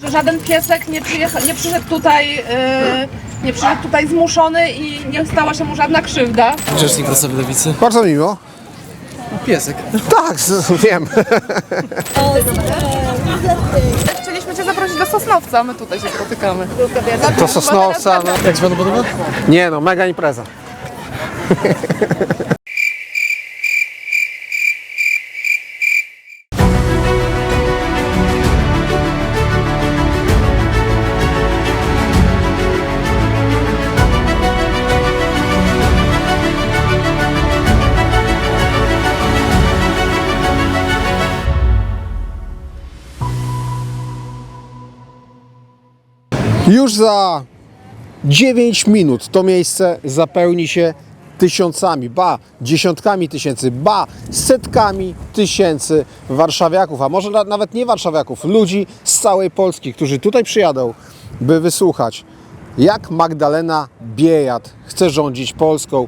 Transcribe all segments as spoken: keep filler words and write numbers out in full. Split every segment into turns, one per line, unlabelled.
żaden piesek nie, przyjecha, nie przyszedł tutaj, yy, nie przyszedł tutaj zmuszony i nie stała się mu żadna krzywda.
Rzecznik prasowy Lewicy.
Bardzo miło.
Piesek.
Tak, wiem.
Chcieliśmy cię zaprosić do Sosnowca, a my tutaj się spotykamy.
To Sosnowca. No.
Jak się panu podoba?
Nie no, mega impreza. Już za dziewięć minut to miejsce zapełni się tysiącami, ba, dziesiątkami tysięcy, ba, setkami tysięcy warszawiaków, a może nawet nie warszawiaków, ludzi z całej Polski, którzy tutaj przyjadą, by wysłuchać, jak Magdalena Biejat chce rządzić Polską.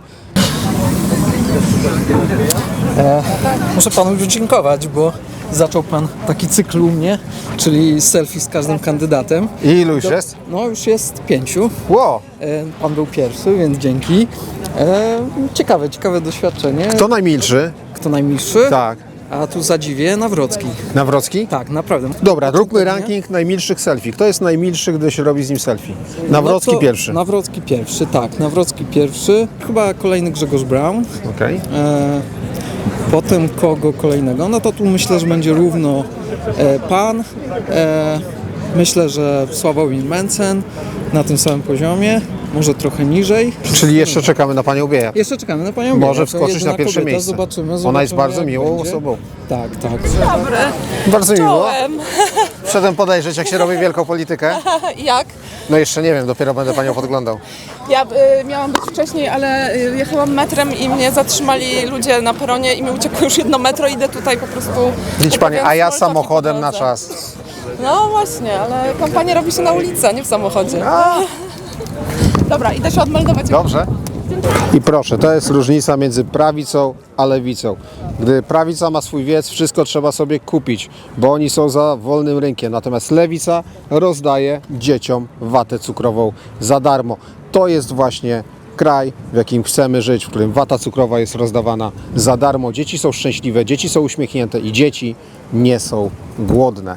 E, muszę panu już dziękować, bo zaczął pan taki cykl u mnie, czyli selfie z każdym kandydatem.
I ilu już jest?
No już jest pięciu.
Ło!
E, pan był pierwszy, więc dzięki. E, ciekawe, ciekawe doświadczenie.
Kto najmilszy?
Kto najmilszy?
Tak.
A tu zadziwię Nawrocki.
Nawrocki?
Tak, naprawdę.
Dobra, róbmy ranking najmilszych selfie. Kto jest najmilszy, gdy się robi z nim selfie? Nawrocki
No to
pierwszy.
Nawrocki pierwszy, tak. Nawrocki pierwszy. Chyba kolejny Grzegorz Braun.
Okej.
E, potem kogo kolejnego? No to tu myślę, że będzie równo e, pan. E, myślę, że Sławomir Mencen na tym samym poziomie. Może trochę niżej.
Czyli jeszcze czekamy na panią Biejat.
Jeszcze czekamy na panią
Może
Biejat. To
wskoczyć
jedyna
na pierwsze
kobieta.
miejsce.
Zobaczymy, zobaczymy.
Ona jest bardzo
jak
miłą
będzie.
osobą.
Tak, tak.
Dobry,
Bardzo miło.
czołem.
Przedem podejrzeć, jak się robi wielką politykę.
Jak?
No jeszcze nie wiem, dopiero będę panią podglądał.
Ja y, miałam być wcześniej, ale y, jechałam metrem i mnie zatrzymali ludzie na peronie i mi uciekło już jedno metro, idę tutaj po prostu...
Widź pani, a ja
robiąc small talki
samochodem
po
na
drodze.
czas.
No właśnie, ale kampania robi się na ulicy, a nie w samochodzie. Dobra, idę się odmeldować.
Dobrze. I proszę, to jest różnica między prawicą a lewicą. Gdy prawica ma swój wiec, wszystko trzeba sobie kupić, bo oni są za wolnym rynkiem. Natomiast lewica rozdaje dzieciom watę cukrową za darmo. To jest właśnie kraj, w jakim chcemy żyć, w którym wata cukrowa jest rozdawana za darmo. Dzieci są szczęśliwe, dzieci są uśmiechnięte i dzieci nie są głodne.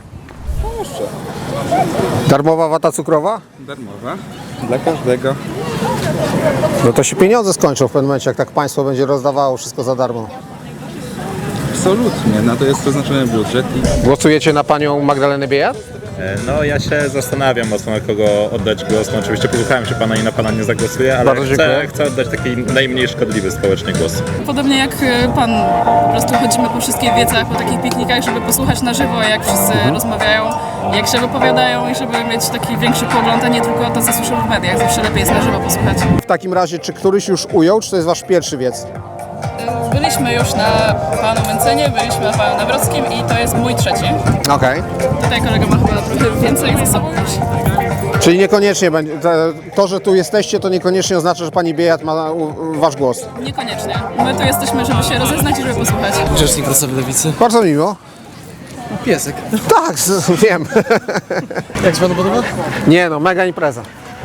Darmowa wata cukrowa?
Darmowa, dla każdego.
No to się pieniądze skończą w pewnym momencie, jak tak państwo będzie rozdawało wszystko za darmo.
Absolutnie, na to jest przeznaczony budżet i
Głosujecie na panią Magdalenę Biejat?
No ja się zastanawiam mocno, na kogo oddać głos. No, oczywiście posłuchałem się pana i na pana nie zagłosuję, ale
Bardzo
chcę,
dziękuję.
chcę oddać taki najmniej szkodliwy społecznie głos.
Podobnie jak y, pan, po prostu chodzimy po wszystkich wiecach, po takich piknikach, żeby posłuchać na żywo, jak wszyscy rozmawiają, jak się wypowiadają i żeby mieć taki większy pogląd, a nie tylko to, co słyszę w mediach. Zawsze lepiej jest na żywo posłuchać.
W takim razie, czy któryś już ujął, czy to jest wasz pierwszy wiec?
Byliśmy już na panu Mencenie, byliśmy na panu Nawrockim i to jest mój trzeci.
Okej.
Tutaj kolega ma chyba trochę więcej ze sobą już.
Czyli niekoniecznie będzie, to, że tu jesteście, to niekoniecznie oznacza, że pani Biejat ma u, u, wasz głos.
Niekoniecznie. My tu jesteśmy, żeby się rozeznać i żeby posłuchać.
Rzecznik prasowy Lewicy.
Bardzo miło.
Piesek.
Tak, z- wiem.
Jak się panu podoba?
Nie no, mega impreza.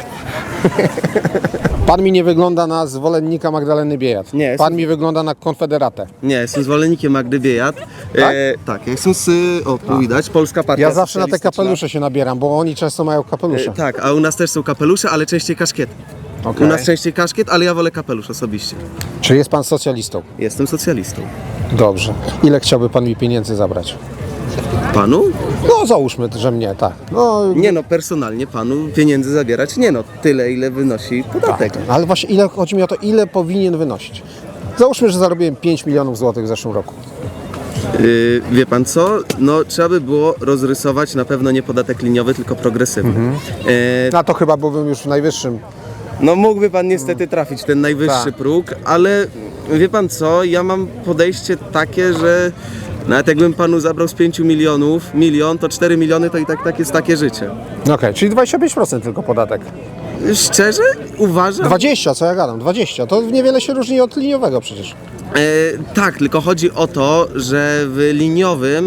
Pan mi nie wygląda na zwolennika Magdaleny Biejat.
Nie,
Pan
jestem-
mi wygląda na konfederatę.
Nie, jestem zwolennikiem Magdy Biejat.
Tak?
E, tak, ja jestem z, o tu widać, Polska Partia
Ja zawsze na te
Socjalistyczna.
kapelusze się nabieram, bo oni często mają kapelusze.
E, tak, a u nas też są kapelusze, ale częściej kaszkiety.
Okej.
U nas częściej kaszkiet, ale ja wolę kapelusz osobiście.
Czy jest pan socjalistą?
Jestem socjalistą.
Dobrze. Ile chciałby pan mi pieniędzy zabrać?
Panu?
No załóżmy, że mnie, tak. No,
Nie no, personalnie panu pieniędzy zabierać nie no, tyle ile wynosi podatek.
tak, ale właśnie ile, chodzi mi o to, ile powinien wynosić. Załóżmy, że zarobiłem pięć milionów złotych w zeszłym roku.
Yy, wie pan co? No trzeba by było rozrysować na pewno nie podatek liniowy, tylko progresywny.
Mhm.
E,
Na to chyba byłbym już w najwyższym.
No mógłby pan niestety trafić ten najwyższy
Tak.
próg, ale wie pan co, ja mam podejście takie, że nawet jakbym panu zabrał z pięciu milionów, milion, to cztery miliony to i tak, tak jest takie życie.
Okej, czyli dwadzieścia pięć procent tylko podatek.
Szczerze uważam...
dwadzieścia, co ja gadam, dwadzieścia. To niewiele się różni od liniowego przecież.
E, tak, tylko chodzi o to, że w liniowym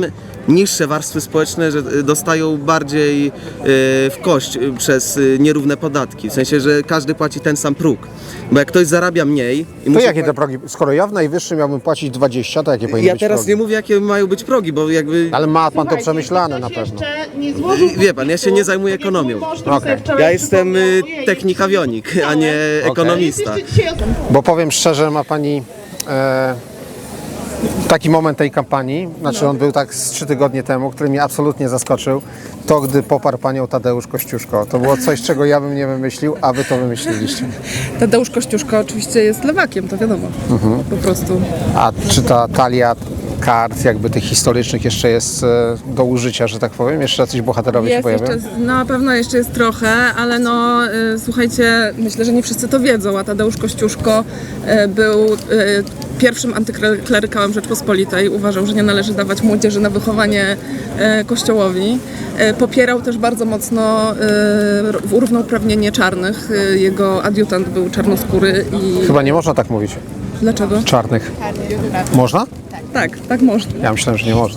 niższe warstwy społeczne, że y, dostają bardziej y, w kość y, przez y, nierówne podatki. W sensie, że każdy płaci ten sam próg. Bo jak ktoś zarabia mniej i
To
musi
jakie
pła-
te progi? Skoro ja w najwyższym miałbym płacić dwadzieścia, to jakie powinny
Ja
być
teraz
progi?
nie mówię, jakie mają być progi, bo jakby...
Ale ma pan to przemyślane na pewno.
Wie pan, ja się nie zajmuję ekonomią.
Okej.
Ja jestem y, technik awionik, a nie ekonomista.
Bo powiem szczerze, ma pani e, taki moment tej kampanii, znaczy on był tak z trzy tygodnie temu, który mnie absolutnie zaskoczył, to gdy poparł panią Tadeusz Kościuszko. To było coś, czego ja bym nie wymyślił, a wy to wymyśliliście.
Tadeusz Kościuszko oczywiście jest lewakiem, to wiadomo. Po prostu.
A czy ta talia kart jakby tych historycznych jeszcze jest e, do użycia, że tak powiem? Jeszcze jacyś bohaterowie się
Jest
pojawią?
jeszcze, na pewno jeszcze jest trochę, ale no y, słuchajcie, myślę, że nie wszyscy to wiedzą, a Tadeusz Kościuszko y, był y, pierwszym antyklerykałem Rzeczpospolitej. Uważał, że nie należy dawać młodzieży na wychowanie y, kościołowi. Y, popierał też bardzo mocno y, równouprawnienie czarnych. Y, jego adiutant był czarnoskóry i...
Chyba nie można tak mówić.
Dlaczego?
Czarnych. Można?
Tak, tak można.
Ja myślałem, że nie można.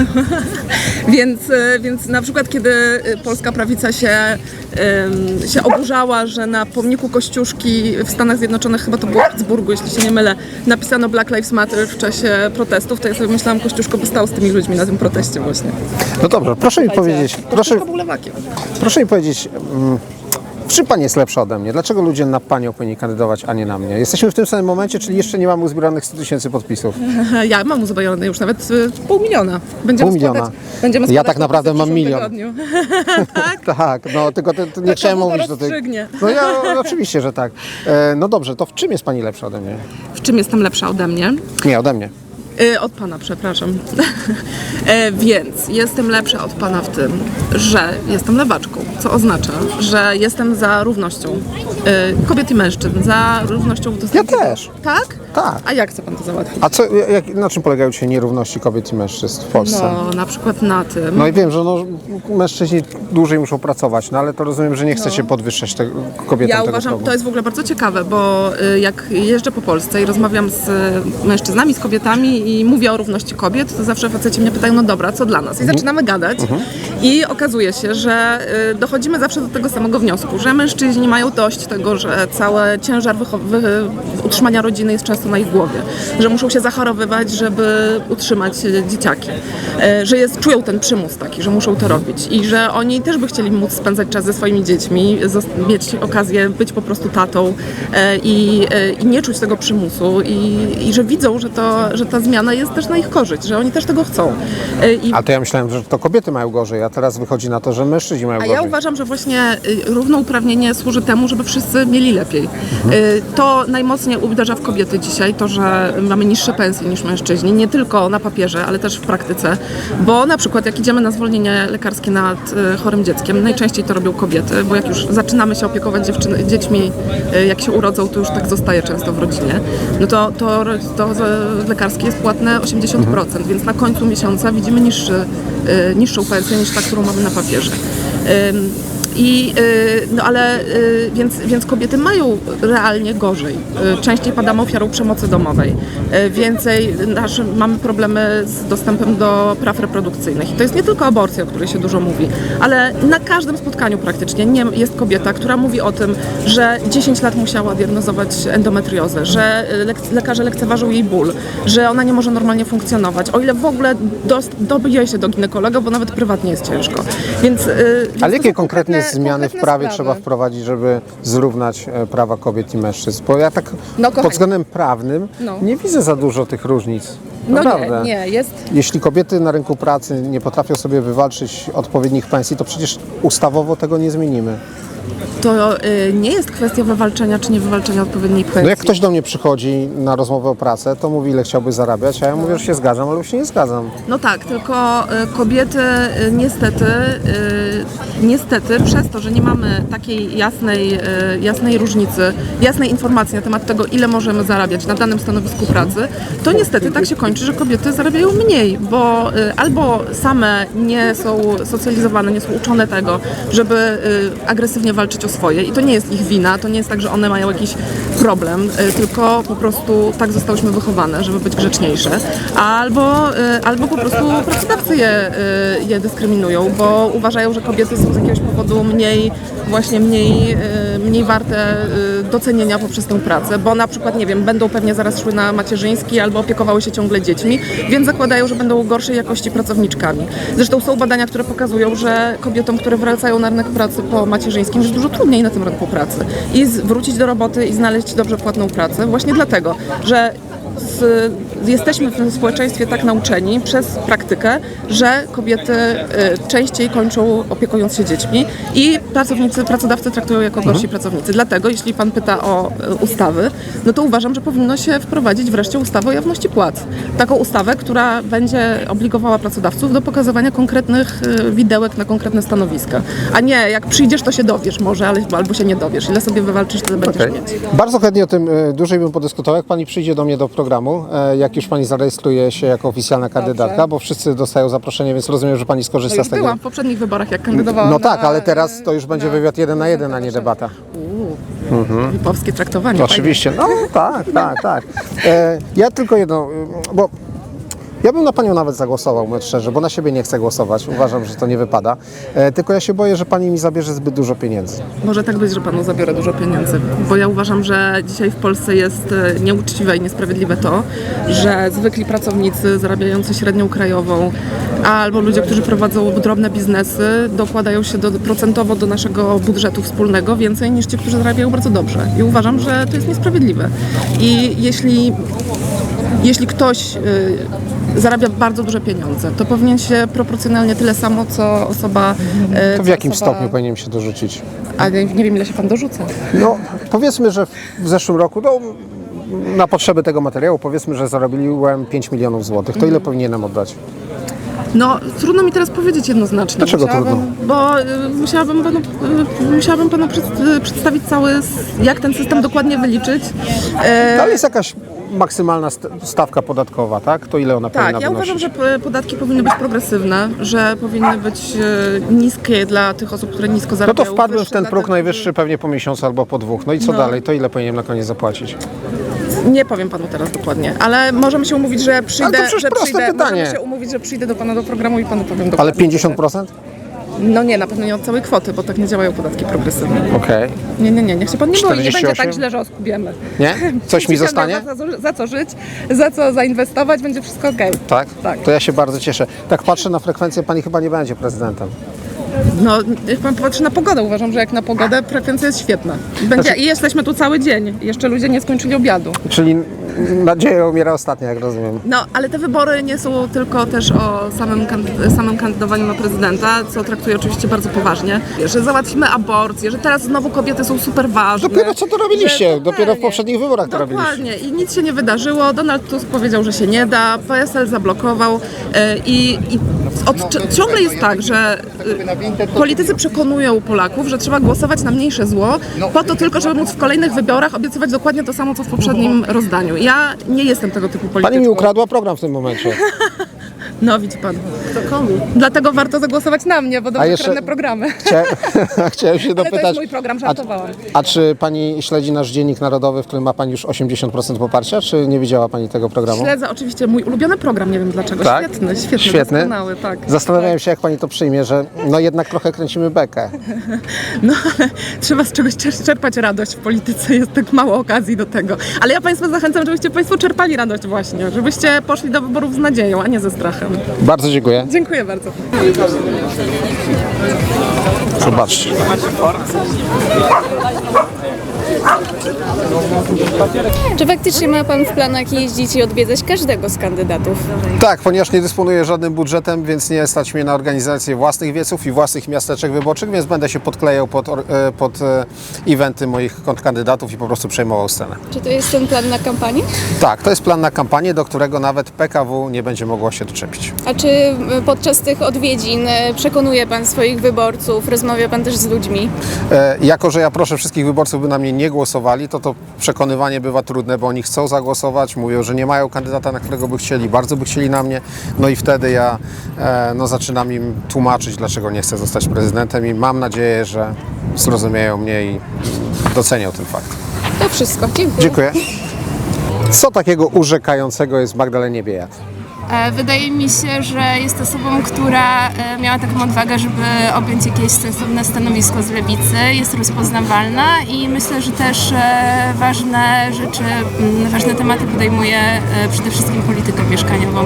Więc, e, więc na przykład kiedy e, polska prawica się, em, się oburzała, że na pomniku Kościuszki w Stanach Zjednoczonych, chyba to było w Pittsburghu, jeśli się nie mylę, napisano Black Lives Matter w czasie protestów, to ja sobie myślałam, Kościuszko by stał z tymi ludźmi na tym proteście właśnie.
No dobrze, proszę mi powiedzieć, proszę,
Kościuszko był lewakiem.
proszę mi powiedzieć, mm, w czym pani jest lepsza ode mnie? Dlaczego ludzie na panią powinni kandydować, a nie na mnie? Jesteśmy w tym samym momencie, czyli jeszcze nie mamy uzbieranych sto tysięcy podpisów.
Ja mam uzbrojone już nawet e, pół miliona. Będziemy
Pół miliona.
składać, będziemy
Ja
składać
tak naprawdę
podpisy w
mam
przyszłym
milion.
tygodniu.
Tak, no tylko to, to nie
Tak,
chciałem
to
mówić do tej...
rozstrzygnie.
No ja no, oczywiście, że tak. E, no dobrze, to w czym jest pani lepsza ode mnie?
W czym jestem lepsza ode mnie?
Nie, ode mnie.
Y, Od pana, przepraszam. e, więc jestem lepsza od pana w tym, że jestem lewaczką, co oznacza, że jestem za równością y, kobiet i mężczyzn, za równością w dostępie.
Ja też.
Tak?
Tak.
A jak chce pan to załatwić?
A co, jak, na czym polegają dzisiaj nierówności kobiet i mężczyzn w Polsce?
No, na przykład na tym.
No i wiem, że no, mężczyźni dłużej muszą pracować, no ale to rozumiem, że nie chcecie podwyższać te, kobietom
Ja
tego
uważam,
progu.
to jest w ogóle bardzo ciekawe, bo y, jak jeżdżę po Polsce i rozmawiam z y, mężczyznami, z kobietami i mówię o równości kobiet, to zawsze faceci mnie pytają, no dobra, co dla nas? I zaczynamy gadać i okazuje się, że y, dochodzimy zawsze do tego samego wniosku, że mężczyźni mają dość tego, że cały ciężar wycho- wy- utrzymania rodziny jest często na ich głowie, że muszą się zachorowywać, żeby utrzymać y, dzieciaki, y, że jest, czują ten przymus taki, że muszą to robić i że oni też by chcieli móc spędzać czas ze swoimi dziećmi, zos- mieć okazję być po prostu tatą y, i, y, i nie czuć tego przymusu i, i że widzą, że, to, że ta zmiana jest też na ich korzyść, że oni też tego chcą. Y, I
A to ja myślałem, że to kobiety mają gorzej, a teraz wychodzi na to, że mężczyźni mają
A
gorzej.
ja uważam, że właśnie y, równouprawnienie służy temu, żeby wszyscy mieli lepiej. Y, To najmocniej uderza w kobiety dzisiaj, to, że mamy niższe pensje niż mężczyźni, nie tylko na papierze, ale też w praktyce, bo na przykład jak idziemy na zwolnienie lekarskie nad y, chorym dzieckiem, najczęściej to robią kobiety, bo jak już zaczynamy się opiekować dziewczyny, dziećmi, y, jak się urodzą, to już tak zostaje często w rodzinie, no to, to, to z- lekarskie jest płatne osiemdziesiąt procent, więc na końcu miesiąca widzimy niższy, y, niższą pensję niż ta, którą mamy na papierze. Ym, I, y, no ale, y, więc, więc kobiety mają realnie gorzej. Y, Częściej padamy ofiarą przemocy domowej. Y, Więcej nasz, mamy problemy z dostępem do praw reprodukcyjnych. I to jest nie tylko aborcja, o której się dużo mówi, ale na każdym spotkaniu praktycznie nie jest kobieta, która mówi o tym, że dziesięć lat musiała diagnozować endometriozę, że y, lek- lekarze lekceważą jej ból, że ona nie może normalnie funkcjonować, o ile w ogóle dost- dobije się do ginekologa, bo nawet prywatnie jest ciężko. Więc, y, więc
Ale
to
jakie
są
konkretnie zmiany w
konkretne
prawie
sprawy.
trzeba wprowadzić, żeby zrównać e, prawa kobiet i mężczyzn? Bo ja tak
No, kochani.
pod względem prawnym
No.
nie widzę za dużo tych różnic.
No
Naprawdę.
nie, nie, jest.
Jeśli kobiety na rynku pracy nie potrafią sobie wywalczyć odpowiednich pensji, to przecież ustawowo tego nie zmienimy.
To y, nie jest kwestia wywalczenia czy nie wywalczenia odpowiedniej pensji.
No jak ktoś do mnie przychodzi na rozmowę o pracę, to mówi, ile chciałby zarabiać, a ja mówię, że się zgadzam, ale już się nie zgadzam.
No tak, tylko y, kobiety y, niestety y, niestety przez to, że nie mamy takiej jasnej, e, jasnej różnicy, jasnej informacji na temat tego, ile możemy zarabiać na danym stanowisku pracy, to niestety tak się kończy, że kobiety zarabiają mniej, bo e, albo same nie są socjalizowane, nie są uczone tego, żeby e, agresywnie walczyć o swoje i to nie jest ich wina, to nie jest tak, że one mają jakiś problem, e, tylko po prostu tak zostałyśmy wychowane, żeby być grzeczniejsze, albo, e, albo po prostu pracodawcy je, e, je dyskryminują, bo uważają, że kobiety są z jakiegoś powodu mniej, właśnie mniej, e, mniej warte e, docenienia poprzez tę pracę, bo na przykład, nie wiem, będą pewnie zaraz szły na macierzyński albo opiekowały się ciągle dziećmi, więc zakładają, że będą gorszej jakości pracowniczkami. Zresztą są badania, które pokazują, że kobietom, które wracają na rynek pracy po macierzyńskim, jest dużo trudniej na tym rynku pracy i z, wrócić do roboty i znaleźć dobrze płatną pracę, właśnie dlatego, że z, jesteśmy w tym społeczeństwie tak nauczeni przez praktykę, że kobiety y, częściej kończą opiekując się dziećmi i pracownicy, pracodawcy traktują jako gorsi pracownicy. Dlatego, jeśli pan pyta o y, ustawy, no to uważam, że powinno się wprowadzić wreszcie ustawę o jawności płac. Taką ustawę, która będzie obligowała pracodawców do pokazywania konkretnych y, widełek na konkretne stanowiska. A nie, jak przyjdziesz, to się dowiesz może, ale, albo się nie dowiesz. Ile sobie wywalczysz, tyle będziesz
Okej.
mieć.
Bardzo chętnie o tym e, dłużej bym podyskutował, jak Pani przyjdzie do mnie do programu, e, jak już Pani zarejestruje się jako oficjalna kandydatka, bo wszyscy dostają zaproszenie, więc rozumiem, że Pani
No
skorzysta
już
z tego.
byłam w poprzednich wyborach, jak kandydowałam.
No tak,
na,
ale teraz to już będzie
na-
wywiad jeden na jeden, a nie debata.
Uuu, lipowskie traktowanie.
Oczywiście, no tak, tak, tak. E, ja tylko jedno, y, bo ja bym na Panią nawet zagłosował, mówiąc szczerze, bo na siebie nie chcę głosować, uważam, że to nie wypada. E, tylko ja się boję, że Pani mi zabierze zbyt dużo pieniędzy.
Może tak być, że panu zabiorę dużo pieniędzy, bo ja uważam, że dzisiaj w Polsce jest e, nieuczciwe i niesprawiedliwe to, że zwykli pracownicy zarabiający średnią krajową albo ludzie, którzy prowadzą drobne biznesy, dokładają się do, procentowo do naszego budżetu wspólnego więcej niż ci, którzy zarabiają bardzo dobrze. I uważam, że to jest niesprawiedliwe. I jeśli, jeśli ktoś y, zarabia bardzo duże pieniądze, to powinien się proporcjonalnie tyle samo, co osoba... y,
To w
co
jakim
osoba...
stopniu powinienem się dorzucić?
Ale nie wiem, ile się pan dorzuca.
No, powiedzmy, że w zeszłym roku, no, na potrzeby tego materiału, powiedzmy, że zarobiłem pięć milionów złotych. To ile powinienem oddać?
No, trudno mi teraz powiedzieć jednoznacznie.
Dlaczego
Musiałabym-
trudno?
Bo y, musiałabym panu, y, musiałabym panu przed, y, przedstawić cały, s- jak ten system dokładnie wyliczyć. E,
Ale jest jakaś maksymalna st- stawka podatkowa, tak? To ile ona powinna
tak, ja
wynosić?
uważam, że p- podatki powinny być progresywne, że powinny być y, niskie dla tych osób, które nisko
No
zarabiają.
to wpadłem w
wyższe
ten
dla
próg
tych,
najwyższy pewnie po miesiącu albo po dwóch. No i co
No.
dalej? To ile powinienem na koniec zapłacić?
Nie powiem panu teraz dokładnie, ale możemy się umówić, że przyjdę,
przecież
że
proste
przyjdę,
pytanie.
możemy się umówić, że przyjdę do pana do programu i panu powiem dokładnie.
Ale pięćdziesiąt procent?
No nie, na pewno nie od całej kwoty, bo tak nie działają podatki progresywne.
Okej.
Nie, nie, nie, niech się pan nie boi, nie będzie
czterdzieści osiem?
tak źle, że oskubiemy.
Nie? Coś mi zostanie?
Za, za, za co żyć, za co zainwestować, będzie wszystko okej.
Tak?
Tak.
To ja się bardzo cieszę. Tak patrzę na frekwencję, pani chyba nie będzie prezydentem.
No, niech pan popatrzy na pogodę. Uważam, że jak na pogodę frekwencja jest świetna. Będzie,
Znaczy-
I jesteśmy tu cały dzień. Jeszcze ludzie nie skończyli obiadu.
Czyli nadzieja umiera ostatnia, jak rozumiem.
No, ale te wybory nie są tylko też o samym, kandy- samym kandydowaniu na prezydenta, co traktuję oczywiście bardzo poważnie. Że załatwimy aborcję, że teraz znowu kobiety są super ważne.
Dopiero co to robiliście?
Że
Dopiero w
totalnie.
poprzednich wyborach to robiliście.
Dokładnie. I nic się nie wydarzyło. Donald Tusk powiedział, że się nie da. P S L zablokował. E, I, i od, ci- ciągle jest tak, że e, politycy przekonują Polaków, że trzeba głosować na mniejsze zło, po to tylko, żeby móc w kolejnych wyborach obiecywać dokładnie to samo, co w poprzednim rozdaniu. Ja nie jestem tego typu polityczką.
Pani mi ukradła program w tym momencie.
No widzi pan. Dlatego warto zagłosować na mnie, bo dobrze
jeszcze-
kradnę programy.
Chcia... Chciałem się
Ale to
dopytać.
jest mój program, żartowałam.
A, a czy pani śledzi nasz Dziennik Narodowy, w którym ma pani już osiemdziesiąt procent poparcia, czy nie widziała pani tego programu?
Śledzę oczywiście mój ulubiony program, nie wiem dlaczego.
Tak?
Świetny, świetny,
Świetny?
doskonały, tak.
Zastanawiałem się, jak pani to przyjmie, że no jednak trochę kręcimy bekę.
No ale trzeba z czegoś czer- czerpać radość w polityce, jest tak mało okazji do tego. Ale ja Państwa zachęcam, żebyście Państwo czerpali radość właśnie, żebyście poszli do wyborów z nadzieją, a nie ze strachem.
Bardzo dziękuję.
Dziękuję bardzo.
Zobaczcie.
Czy faktycznie ma Pan w planach jeździć i odwiedzać każdego z kandydatów?
Tak, ponieważ nie dysponuję żadnym budżetem, więc nie stać mnie na organizację własnych wieców i własnych miasteczek wyborczych, więc będę się podklejał pod, or- e, pod e, eventy moich kontrkandydatów i po prostu przejmował scenę.
Czy to jest ten plan na kampanię?
Tak, to jest plan na kampanię, do którego nawet P K W nie będzie mogło się doczepić.
A czy y, podczas tych odwiedzin y, przekonuje Pan swoich swoich wyborców, rozmawia pan też z ludźmi.
E, jako, że ja proszę wszystkich wyborców, by na mnie nie głosowali, to to przekonywanie bywa trudne, bo oni chcą zagłosować, mówią, że nie mają kandydata, na którego by chcieli, bardzo by chcieli na mnie, no i wtedy ja e, no, zaczynam im tłumaczyć, dlaczego nie chcę zostać prezydentem i mam nadzieję, że zrozumieją mnie i docenią ten fakt.
To wszystko. Dziękuję.
Dziękuję. Co takiego urzekającego jest w Magdalenie Biejat?
E, Wydaje mi się, że jest osobą, która e, miała taką odwagę, żeby objąć jakieś sensowne stanowisko z lewicy, jest rozpoznawalna i myślę, że też e, ważne rzeczy, m, ważne tematy podejmuje e, przede wszystkim politykę mieszkaniową.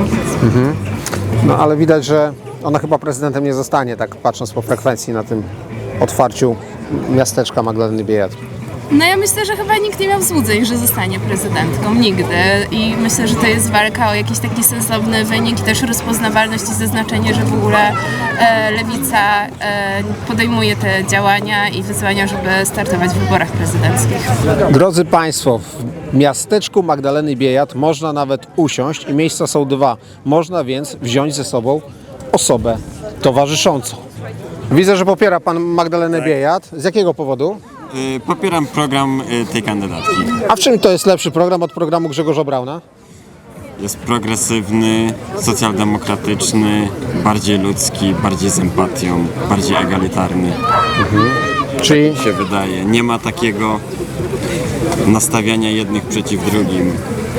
No ale widać, że ona chyba prezydentem nie zostanie, tak patrząc po frekwencji na tym otwarciu miasteczka Magdaleny Biejat.
No ja myślę, że chyba nikt nie miał złudzeń, że zostanie prezydentką, nigdy i myślę, że to jest walka o jakiś taki sensowny wynik i też rozpoznawalność i zaznaczenie, że w ogóle e, lewica e, podejmuje te działania i wyzwania, żeby startować w wyborach prezydenckich.
Drodzy Państwo, w miasteczku Magdaleny Biejat można nawet usiąść i miejsca są dwa. Można więc wziąć ze sobą osobę towarzyszącą. Widzę, że popiera Pan Magdalenę Biejat. Z jakiego powodu?
Y, Popieram program y, tej kandydatki.
A w czym to jest lepszy program od programu Grzegorza Brauna?
Jest progresywny, socjaldemokratyczny, bardziej ludzki, bardziej z empatią, bardziej egalitarny.
Czyli
Tak się wydaje. Nie ma takiego nastawiania jednych przeciw drugim.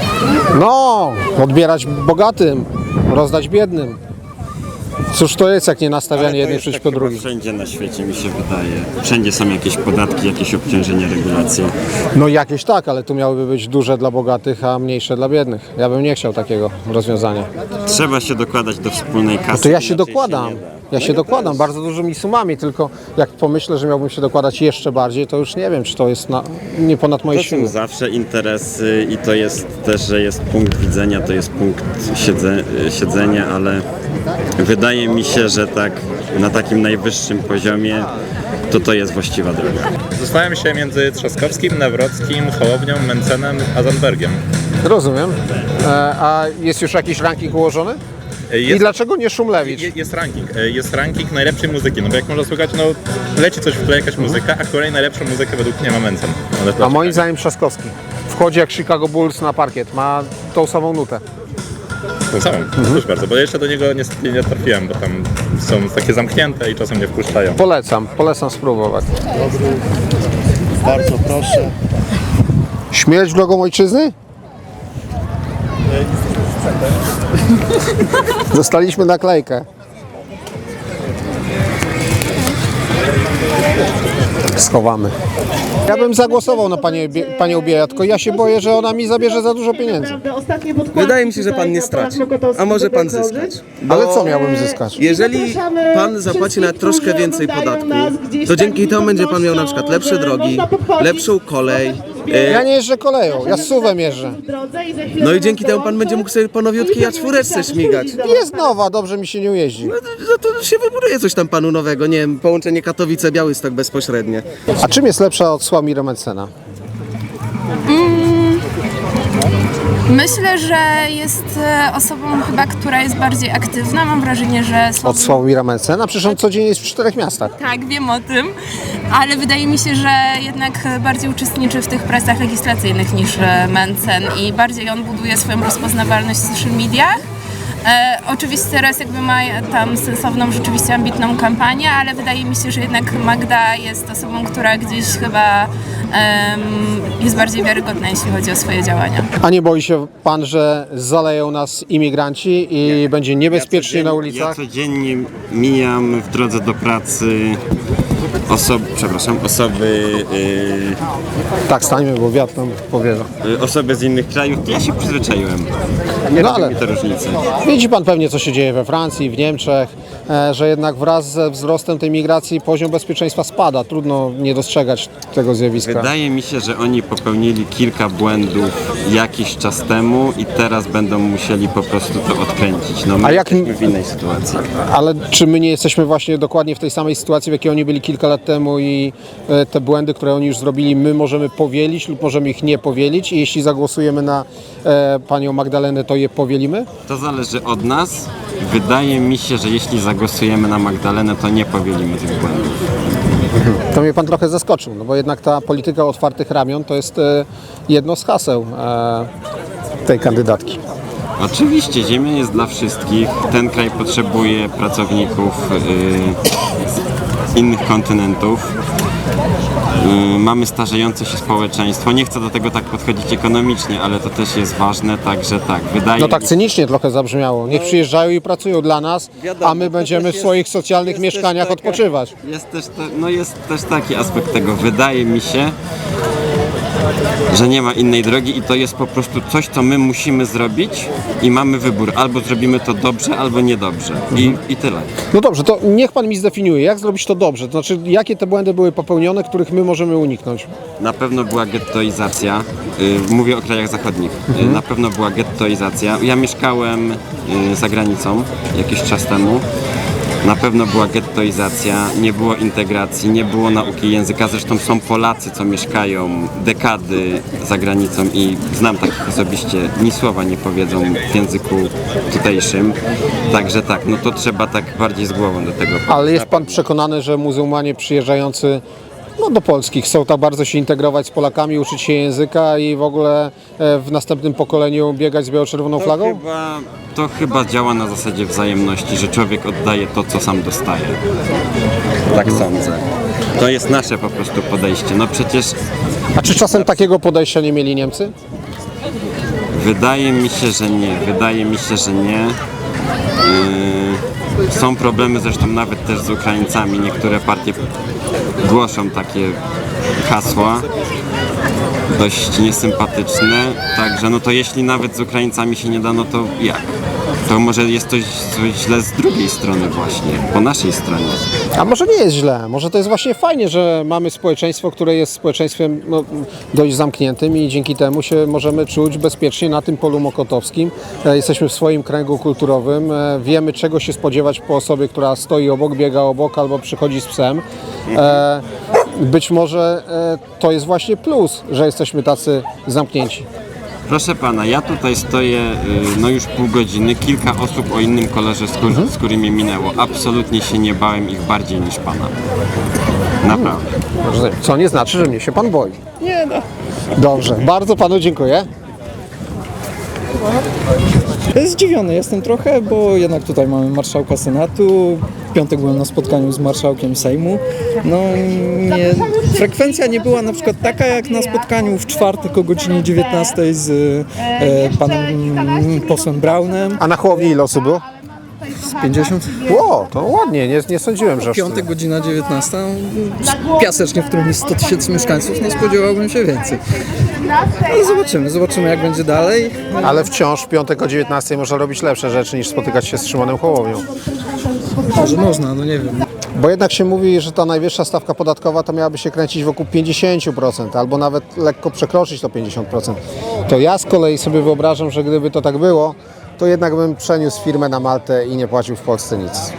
no, odbierać bogatym, rozdać biednym. Cóż to jest, jak nie nastawianie
Ale to
jednych
jest
przeciwko
tak chyba
drugim?
wszędzie na świecie, mi się wydaje. Wszędzie są jakieś podatki, jakieś obciążenia, regulacje.
No jakieś tak, ale tu miałyby być duże dla bogatych, a mniejsze dla biednych. Ja bym nie chciał takiego rozwiązania.
Trzeba się dokładać do wspólnej kasy.
No to ja się
inaczej
dokładam.
nie da.
Ja się dokładam bardzo dużymi sumami, tylko jak pomyślę, że miałbym się dokładać jeszcze bardziej, to już nie wiem, czy to jest na, nie ponad moje
To są
siły.
zawsze interesy i to jest też, że jest punkt widzenia, to jest punkt siedze, siedzenia, ale wydaje mi się, że tak na takim najwyższym poziomie to to jest właściwa droga.
Zastanawiam się między Trzaskowskim, Nawrockim, Hołownią, Mencenem a Zandbergiem.
Rozumiem. E, a jest już jakiś ranking ułożony? I
Jest,
dlaczego nie Szumlewicz?
je- jest ranking. E, Jest ranking najlepszej muzyki, no bo jak można słuchać, no leci coś w tle, jakaś muzyka, a kolej najlepszą muzykę według mnie ma Mencen. Ale
A moim zdaniem Trzaskowski. Wchodzi jak Chicago Bulls na parkiet, ma tą samą nutę.
To samo, proszę bardzo, bo jeszcze do niego niestety nie trafiłem, bo tam są takie zamknięte i czasem nie wpuszczają.
Polecam, polecam spróbować.
Bardzo proszę.
Śmierć drogą ojczyzny? Dostaliśmy naklejkę. Schowamy. Ja bym zagłosował na panię, Bie- panią Biejat, tylko ja się boję, że ona mi zabierze za dużo pieniędzy.
Wydaje mi się, że pan nie straci. A może pan zyskać. Bo
Ale co miałbym zyskać?
jeżeli pan zapłaci na troszkę więcej podatku, to dzięki temu będzie pan miał na przykład lepsze drogi, lepszą kolej.
Ja
e,
nie jeżdżę koleją, ja suwem jeżdżę.
No i dzięki temu pan będzie mógł sobie po nowiutkiej A cztery śmigać.
Jest nowa, dobrze mi się nie jeździ.
No to się wybuduje coś tam panu nowego, nie wiem, połączenie Katowice-Białystok bezpośrednie.
A czym jest lepsza od Sławomira Mencena?
Myślę, że jest e, osobą chyba, która jest bardziej aktywna. Mam wrażenie, że
Od Sławomira Mencena? Przecież on codziennie jest w czterech miastach.
Tak, wiem o tym, ale wydaje mi się, że jednak bardziej uczestniczy w tych pracach legislacyjnych niż e, Mencen i bardziej on buduje swoją rozpoznawalność w social mediach. E, oczywiście teraz jakby ma tam sensowną, rzeczywiście ambitną kampanię, ale wydaje mi się, że jednak Magda jest osobą, która gdzieś chyba em, jest bardziej wiarygodna, jeśli chodzi o swoje działania.
A nie boi się pan, że zaleją nas imigranci i będzie niebezpiecznie na ulicach?
Ja codziennie mijam w drodze do pracy osoby, przepraszam, osoby,
Tak, stańmy, bo wiatr nam powiewa.
yy, osoby z innych krajów. Ja się przyzwyczaiłem.
No
Nie robi
ale
mi to różnicy.
widzi pan pewnie, co się dzieje we Francji, w Niemczech, e, że jednak wraz ze wzrostem tej migracji poziom bezpieczeństwa spada. Trudno nie dostrzegać tego zjawiska.
Wydaje mi się, że oni popełnili kilka błędów jakiś czas temu i teraz będą musieli po prostu to odkręcić. No my
A jak-
jesteśmy w innej sytuacji.
Ale czy my nie jesteśmy właśnie dokładnie w tej samej sytuacji, w jakiej oni byli kilka lat temu i e, te błędy, które oni już zrobili, my możemy powielić lub możemy ich nie powielić i jeśli zagłosujemy na e, panią Magdalenę, to je powielimy?
To zależy od nas wydaje mi się, że jeśli zagłosujemy na Magdalenę, to nie powielimy tych błędów.
To mnie pan trochę zaskoczył, no bo jednak ta polityka otwartych ramion to jest e, jedno z haseł e, tej kandydatki.
Oczywiście, ziemia jest dla wszystkich. Ten kraj potrzebuje pracowników yy, z innych kontynentów. Yy, mamy starzejące się społeczeństwo. Nie chcę do tego tak podchodzić ekonomicznie, ale to też jest ważne, także tak, wydaje
No tak
mi się...
cynicznie trochę zabrzmiało. Niech przyjeżdżają i pracują dla nas,
Wiadomo,
a my
to
będziemy
też
w
jest-
swoich socjalnych
jest
mieszkaniach
też taka-
odpoczywać.
Jest też, te, no jest też taki aspekt tego. Wydaje mi się, że nie ma innej drogi i to jest po prostu coś, co my musimy zrobić i mamy wybór. Albo zrobimy to dobrze, albo niedobrze. I, i tyle.
No dobrze, to niech pan mi zdefiniuje, jak zrobić to dobrze. To znaczy, jakie te błędy były popełnione, których my możemy uniknąć.
Na pewno była gettoizacja. Y, Mówię o krajach zachodnich. Y, Na pewno była gettoizacja. Ja mieszkałem y, za granicą jakiś czas temu. Na pewno była gettoizacja, nie było integracji, nie było nauki języka. Zresztą są Polacy, co mieszkają dekady za granicą i znam takich osobiście, ni słowa nie powiedzą w języku tutejszym. Także tak, no to trzeba tak bardziej z głową do tego podejść.
Ale jest pan przekonany, że muzułmanie przyjeżdżający no, do Polski chcą tak bardzo się integrować z Polakami, uczyć się języka i w ogóle e, w następnym pokoleniu biegać z biało-czerwoną
To
flagą?
chyba, to chyba działa na zasadzie wzajemności, że człowiek oddaje to, co sam dostaje. Tak sądzę. To jest nasze po prostu podejście. No przecież
A czy czasem takiego podejścia nie mieli Niemcy?
wydaje mi się, że nie. Wydaje mi się, że nie. Yy, są problemy zresztą nawet też z Ukraińcami. Niektóre partie głoszą takie hasła dość niesympatyczne. Także no to jeśli nawet z Ukraińcami się nie da, no to jak? To może jest coś, coś źle z drugiej strony właśnie, po naszej stronie.
A może nie jest źle, może to jest właśnie fajnie, że mamy społeczeństwo, które jest społeczeństwem no, dość zamkniętym i dzięki temu się możemy czuć bezpiecznie na tym polu mokotowskim. E, Jesteśmy w swoim kręgu kulturowym, e, wiemy czego się spodziewać po osobie, która stoi obok, biega obok albo przychodzi z psem. E, Być może e, to jest właśnie plus, że jesteśmy tacy zamknięci.
Proszę pana, ja tutaj stoję y, no już pół godziny, kilka osób o innym kolorze skóry, skóry mnie minęło. Absolutnie się nie bałem ich bardziej niż pana. Naprawdę.
Rozumiem. Co nie znaczy, że mnie się pan boi. Nie no. Dobrze, bardzo panu dziękuję.
Zdziwiony jestem trochę, bo jednak tutaj mamy marszałka Senatu. W piątek byłem na spotkaniu z marszałkiem Sejmu. No, nie, frekwencja nie była na przykład taka jak na spotkaniu w czwartek o godzinie dziewiętnastej z e, panem mm, posłem Braunem.
A na Hołowni ile osób było?
Z pięćdziesiąt.
Ło, to ładnie, nie, nie sądziłem, że aż
Piątek,
tyle.
godzina dziewiętnasta. Piasecznie, w którym jest sto tysięcy mieszkańców, nie spodziewałbym się więcej. Ale zobaczymy, zobaczymy jak będzie dalej.
Ale wciąż w piątek o dziewiętnastej można robić lepsze rzeczy niż spotykać się z Szymonem Hołownią.
Może można, no nie wiem.
Bo jednak się mówi, że ta najwyższa stawka podatkowa to miałaby się kręcić wokół pięćdziesiąt procent albo nawet lekko przekroczyć to pięćdziesiąt procent. To ja z kolei sobie wyobrażam, że gdyby to tak było, to jednak bym przeniósł firmę na Maltę i nie płacił w Polsce nic.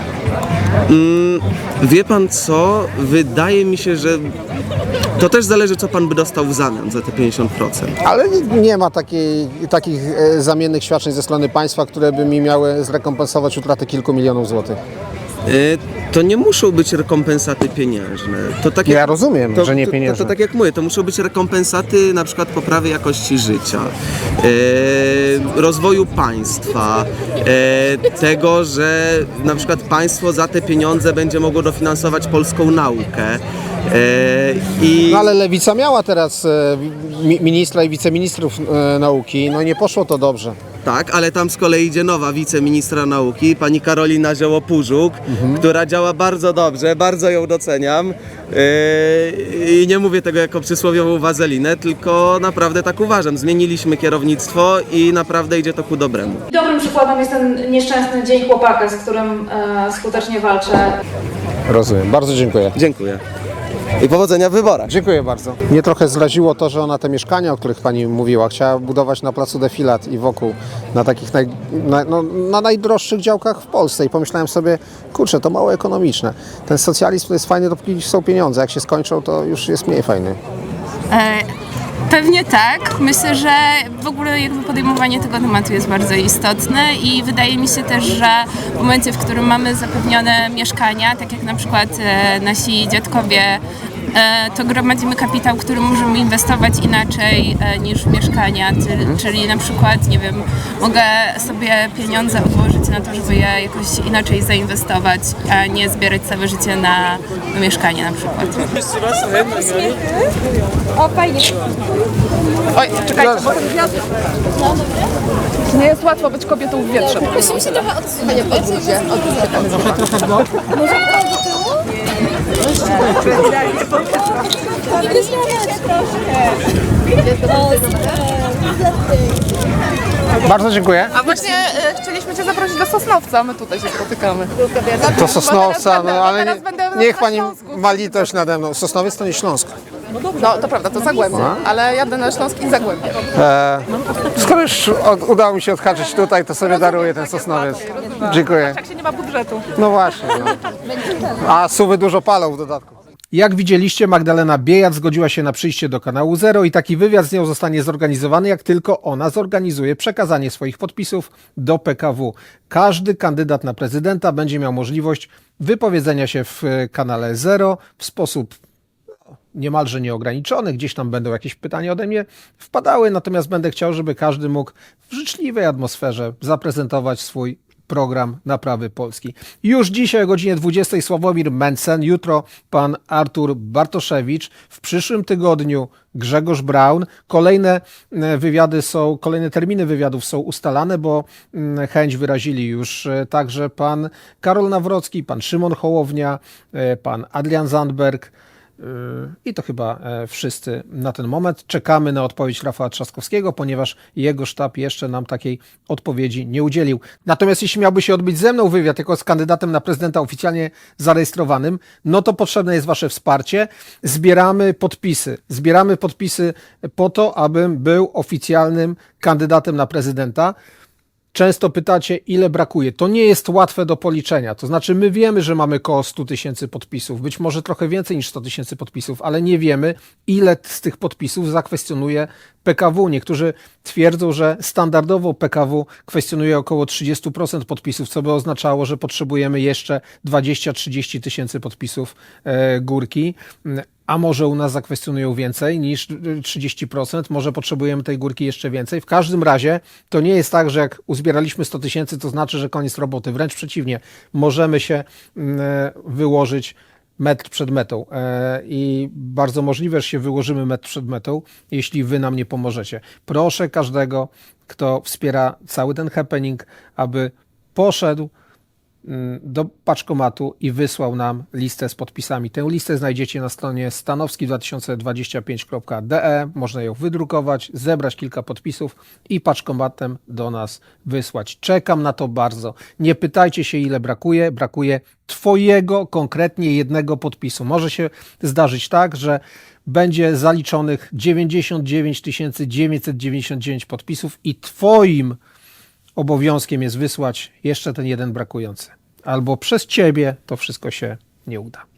Wie pan co? Wydaje mi się, że to też zależy, co pan by dostał w zamian za te pięćdziesiąt procent.
Ale nie- nie ma takiej, takich e, zamiennych świadczeń ze strony państwa, które by mi miały zrekompensować utratę kilku milionów złotych.
Y, To nie muszą być rekompensaty pieniężne. To tak
Ja rozumiem, że nie
to,
pieniężne.
To, to tak jak mówię, to muszą być rekompensaty na przykład poprawy jakości życia, e, rozwoju państwa, e, tego, że na przykład państwo za te pieniądze będzie mogło dofinansować polską naukę. E, i
No ale Lewica miała teraz e, mi- ministra i wiceministrów e, nauki, no i nie poszło to dobrze.
Tak, ale tam z kolei idzie nowa wiceministra nauki, pani Karolina Zioło-Pużuk, która działa bardzo dobrze, bardzo ją doceniam. Yy, I nie mówię tego jako przysłowiową wazelinę, tylko naprawdę tak uważam. Zmieniliśmy kierownictwo i naprawdę idzie to ku dobremu.
Dobrym przykładem jest ten nieszczęsny Dzień Chłopaka, z którym e, skutecznie walczę.
Rozumiem, bardzo dziękuję.
Dziękuję. I powodzenia w wyborach.
Dziękuję bardzo. Mnie trochę zraziło to, że ona te mieszkania, o których pani mówiła, chciała budować na placu Defilat i wokół, na takich naj, na, no, na najdroższych działkach w Polsce i pomyślałem sobie, kurczę, to mało ekonomiczne. Ten socjalizm to jest fajny, dopóki są pieniądze, jak się skończą, to już jest mniej fajny.
E, Pewnie tak. Myślę, że w ogóle jakby podejmowanie tego tematu jest bardzo istotne i wydaje mi się też, że w momencie, w którym mamy zapewnione mieszkania, tak jak na przykład e, nasi dziadkowie, e, to gromadzimy kapitał, który możemy inwestować inaczej e, niż w mieszkania, czyli, czyli na przykład, nie wiem, mogę sobie pieniądze odłożyć na to, żeby je jakoś inaczej zainwestować, a nie zbierać całe życie na, na mieszkanie na przykład.
O, fajnie.
Oj, czekajcie, bo ten wiatr... Nie jest łatwo być kobietą w wietrze.
Musimy się trochę odsunąć. Trochę, trochę w bok. Może do tyłu? Nie wyśmiamy troszkę.
Bardzo dziękuję.
A właśnie e, chcieliśmy Cię zaprosić do Sosnowca, a my tutaj się spotykamy.
To Sosnowca, no ale
teraz
nie,
będę
niech
na
pani
Śląsku.
ma litość nade mną. Sosnowiec to nie Śląsk.
No to prawda, to Zagłębie, ale jadę na Śląsk i Zagłębie.
E, skoro już od, udało mi się odhaczyć tutaj, to sobie daruję ten Sosnowiec. Dziękuję.
Jak się nie ma budżetu.
No właśnie. No. A suwy dużo palą w dodatku. Jak widzieliście, Magdalena Biejat zgodziła się na przyjście do kanału Zero i taki wywiad z nią zostanie zorganizowany, jak tylko ona zorganizuje przekazanie swoich podpisów do P K W. Każdy kandydat na prezydenta będzie miał możliwość wypowiedzenia się w kanale Zero w sposób niemalże nieograniczony. Gdzieś tam będą jakieś pytania ode mnie wpadały, natomiast będę chciał, żeby każdy mógł w życzliwej atmosferze zaprezentować swój program Naprawy Polski. Już dzisiaj o godzinie dwudziestej Sławomir Mencen, jutro pan Artur Bartoszewicz, w przyszłym tygodniu Grzegorz Braun. Kolejne wywiady są, kolejne terminy wywiadów są ustalane, bo chęć wyrazili już także pan Karol Nawrocki, pan Szymon Hołownia, pan Adrian Zandberg. I to chyba wszyscy na ten moment. Czekamy na odpowiedź Rafała Trzaskowskiego, ponieważ jego sztab jeszcze nam takiej odpowiedzi nie udzielił. Natomiast jeśli miałby się odbyć ze mną wywiad jako z kandydatem na prezydenta oficjalnie zarejestrowanym, no to potrzebne jest wasze wsparcie. Zbieramy podpisy. Zbieramy podpisy po to, abym był oficjalnym kandydatem na prezydenta. Często pytacie, ile brakuje. To nie jest łatwe do policzenia. To znaczy, my wiemy, że mamy koło sto tysięcy podpisów, być może trochę więcej niż sto tysięcy podpisów, ale nie wiemy, ile z tych podpisów zakwestionuje P K W. Niektórzy twierdzą, że standardowo P K W kwestionuje około trzydzieści procent podpisów, co by oznaczało, że potrzebujemy jeszcze dwadzieścia do trzydziestu tysięcy podpisów e, górki. A może u nas zakwestionują więcej niż trzydzieści procent, może potrzebujemy tej górki jeszcze więcej. W każdym razie to nie jest tak, że jak uzbieraliśmy sto tysięcy, to znaczy, że koniec roboty. Wręcz przeciwnie, możemy się wyłożyć metr przed metą i bardzo możliwe, że się wyłożymy metr przed metą, jeśli wy nam nie pomożecie. Proszę każdego, kto wspiera cały ten happening, aby poszedł do paczkomatu i wysłał nam listę z podpisami. Tę listę znajdziecie na stronie stanowski dwa tysiące dwadzieścia pięć kropka d e. Można ją wydrukować, zebrać kilka podpisów i paczkomatem do nas wysłać. Czekam na to bardzo. Nie pytajcie się, ile brakuje. Brakuje twojego konkretnie jednego podpisu. Może się zdarzyć tak, że będzie zaliczonych dziewięćdziesiąt dziewięć tysięcy dziewięćset dziewięćdziesiąt dziewięć podpisów i twoim obowiązkiem jest wysłać jeszcze ten jeden brakujący. Albo przez ciebie to wszystko się nie uda.